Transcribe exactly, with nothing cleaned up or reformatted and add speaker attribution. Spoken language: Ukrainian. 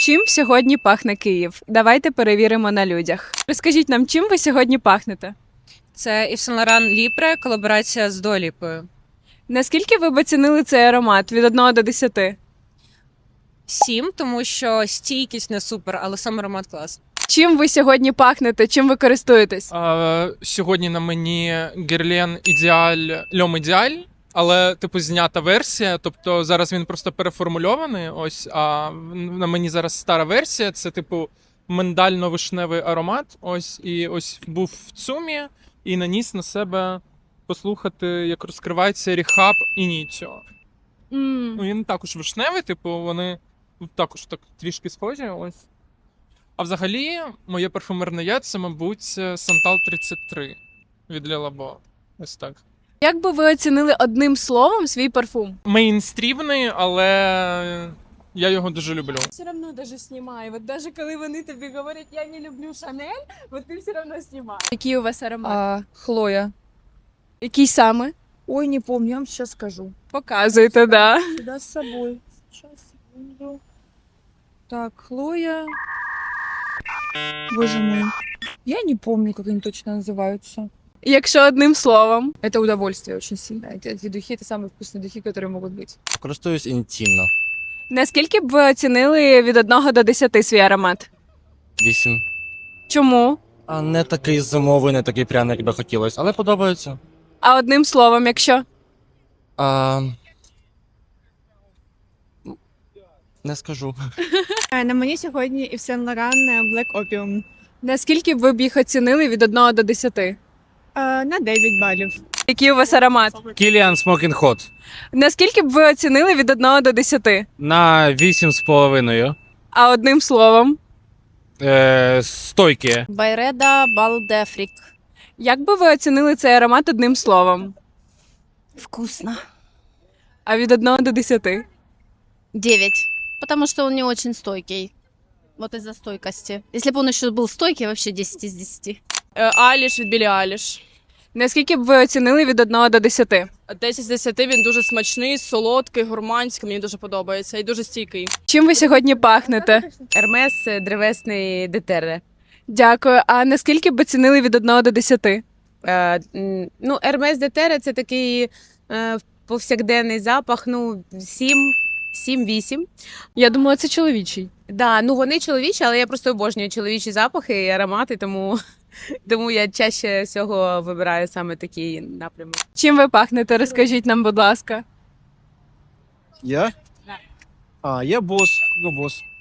Speaker 1: Чим сьогодні пахне Київ? Давайте перевіримо на людях. Розкажіть нам, чим ви сьогодні пахнете?
Speaker 2: Це Yves Saint Laurent Libre, колаборація з Дуаліпою.
Speaker 1: Наскільки ви б оцінили цей аромат від одного до десяти?
Speaker 2: Сім, тому що стійкість не супер, але сам аромат клас.
Speaker 1: Чим ви сьогодні пахнете? Чим ви користуєтесь?
Speaker 3: А, сьогодні на мені Guerlain Ідеаль L'Homme Ідеаль, але типу знята версія, тобто зараз він просто переформульований. Ось, а на мені зараз стара версія. Це типу миндально-вишневий аромат. Ось і ось був в ЦУМі і наніс на себе послухати, як розкривається Ріхаб Ініціо.
Speaker 1: М.
Speaker 3: Ну він також вишневий, типу, вони також так трішки схожі. Ось. А взагалі, моє парфумерне я це, мабуть, Santal тридцять три від Le Labo. Ось так.
Speaker 1: Як би ви оцінили одним словом свій парфум?
Speaker 3: Мейнстрімний, але я його дуже люблю.
Speaker 4: Все равно даже снимай. Вот даже коли вони тобі говорять, я не люблю Шанель, вот ти все равно знімаєш.
Speaker 1: Який у вас аромат?
Speaker 5: А, Хлоя.
Speaker 1: Який саме?
Speaker 5: Ой, не помню, я вам сейчас скажу.
Speaker 1: Показуйте, да.
Speaker 5: Сюда с собой. Сейчас, секунду. Так, Хлоя. Боже мой. Я не помню, как они точно называются.
Speaker 1: Якщо одним словом.
Speaker 5: Это удовольствие очень сильно. Эти, эти духи — это самые вкусные духи, которые могут быть.
Speaker 6: Користуюсь інтимно.
Speaker 1: Наскільки б ви оцінили від одного до десяти свій аромат?
Speaker 6: Вісім.
Speaker 1: Чому?
Speaker 6: А не такий зимовий, не такий пряний, як би хотілося, але подобається.
Speaker 1: А одним словом, якщо?
Speaker 6: А... Не скажу.
Speaker 4: На мені сьогодні Yves Saint Laurent Black Opium.
Speaker 1: Наскільки б ви б їх оцінили від одного до десяти?
Speaker 4: На дев'ять балів.
Speaker 1: Який у вас аромат?
Speaker 7: Кіліан Smoking Hot
Speaker 1: Наскільки б ви оцінили від одного до десяти?
Speaker 7: на вісім з половиною.
Speaker 1: А одним словом?
Speaker 7: Е, стойкі.
Speaker 8: Байреда Балдефрик.
Speaker 1: Як би ви оцінили цей аромат одним словом?
Speaker 8: Вкусно.
Speaker 1: А від одного до десяти?
Speaker 8: Девять. Потому что он не очень стойкий. Вот из-за стойкости. Если бы он еще был стойкий, вообще десять из десяти.
Speaker 1: Аліш від Білі Аліш. Наскільки б ви оцінили від одного до десяти?
Speaker 9: десять з десяти, він дуже смачний, солодкий, гурманський, мені дуже подобається і дуже стійкий.
Speaker 1: Чим ви сьогодні пахнете?
Speaker 2: Ермес древесний детерре.
Speaker 1: Дякую. А наскільки б оцінили від одного до десяти?
Speaker 2: Е, м, ну, Ермес детерре це такий е, повсякденний запах, ну, сім, сім-вісім.
Speaker 1: Я думала, це чоловічий.
Speaker 2: Да, ну вони чоловічі, але я просто обожнюю чоловічі запахи і аромати, тому, тому я чаще всього вибираю саме такий напрямок.
Speaker 1: Чим ви пахнете? Розкажіть нам, будь ласка.
Speaker 10: Я? А, я босс. Ну, босс.